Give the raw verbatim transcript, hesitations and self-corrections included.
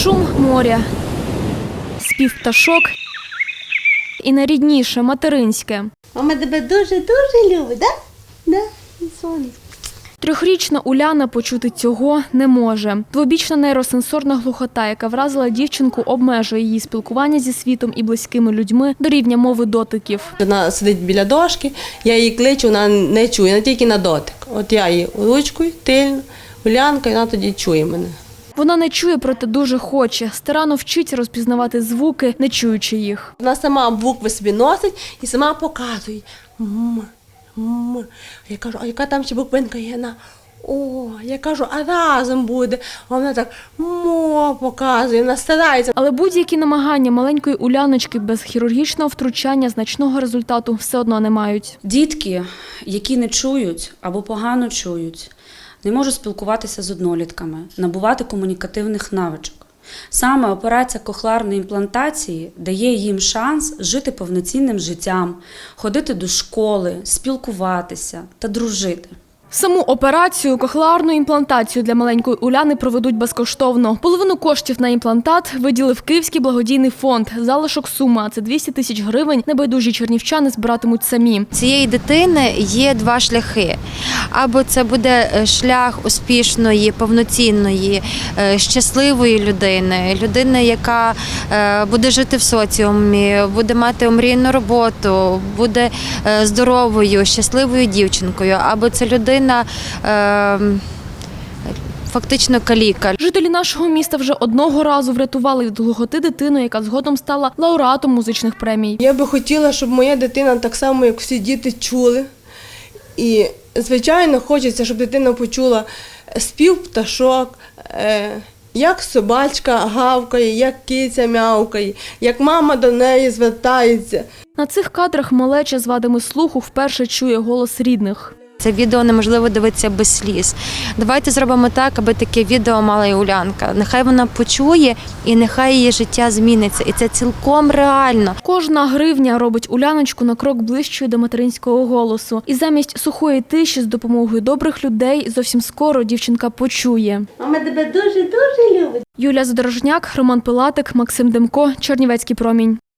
Шум моря, спів пташок і найрідніше материнське. Мама тебе дуже-дуже любить, так? Да? Да? Сонечко. Трьохрічна Уляна почути цього не може. Двобічна нейросенсорна глухота, яка вразила дівчинку, обмежує її спілкування зі світом і близькими людьми до рівня мови дотиків. Вона сидить біля дошки, я її кличу, вона не чує, вона тільки на дотик. От я її ручкою, тильно, Улянка, і вона тоді чує мене. Вона не чує, проте дуже хоче. Старанно вчиться розпізнавати звуки, не чуючи їх. Вона сама букви собі носить і сама показує. М, м. Я кажу, а яка там ще буквинка є? Вона, о, я кажу, а разом буде. А вона так мо показує, вона старається. Але будь-які намагання маленької Уляночки без хірургічного втручання значного результату все одно не мають. Дітки, які не чують або погано чують, не можуть спілкуватися з однолітками, набувати комунікативних навичок. Саме операція кохлеарної імплантації дає їм шанс жити повноцінним життям, ходити до школи, спілкуватися та дружити. Саму операцію кохлеарну імплантацію для маленької Уляни проведуть безкоштовно. Половину коштів на імплантат виділив Київський благодійний фонд. Залишок сума – це двісті тисяч гривень. Небайдужі чернівчани збиратимуть самі. Цієї дитини є два шляхи. Або це буде шлях успішної, повноцінної, щасливої людини, людини, яка буде жити в соціумі, буде мати омрійну роботу, буде здоровою, щасливою дівчинкою. Або це людина фактично каліка. Жителі нашого міста вже одного разу врятували від глухоти дитину, яка згодом стала лауреатом музичних премій. Я би хотіла, щоб моя дитина так само, як всі діти, чули. І, звичайно, хочеться, щоб дитина почула спів пташок, як собачка гавкає, як киця м'явкає, як мама до неї звертається. На цих кадрах малеча з вадами слуху вперше чує голос рідних. Це відео неможливо дивитися без сліз. Давайте зробимо так, аби таке відео мала і Улянка. Нехай вона почує і нехай її життя зміниться. І це цілком реально. Кожна гривня робить Уляночку на крок ближчою до материнського голосу. І замість сухої тиші з допомогою добрих людей зовсім скоро дівчинка почує. Мама тебе дуже-дуже любить. Юлія Задорожняк, Роман Пилатик, Максим Демко, Чернівецький промінь.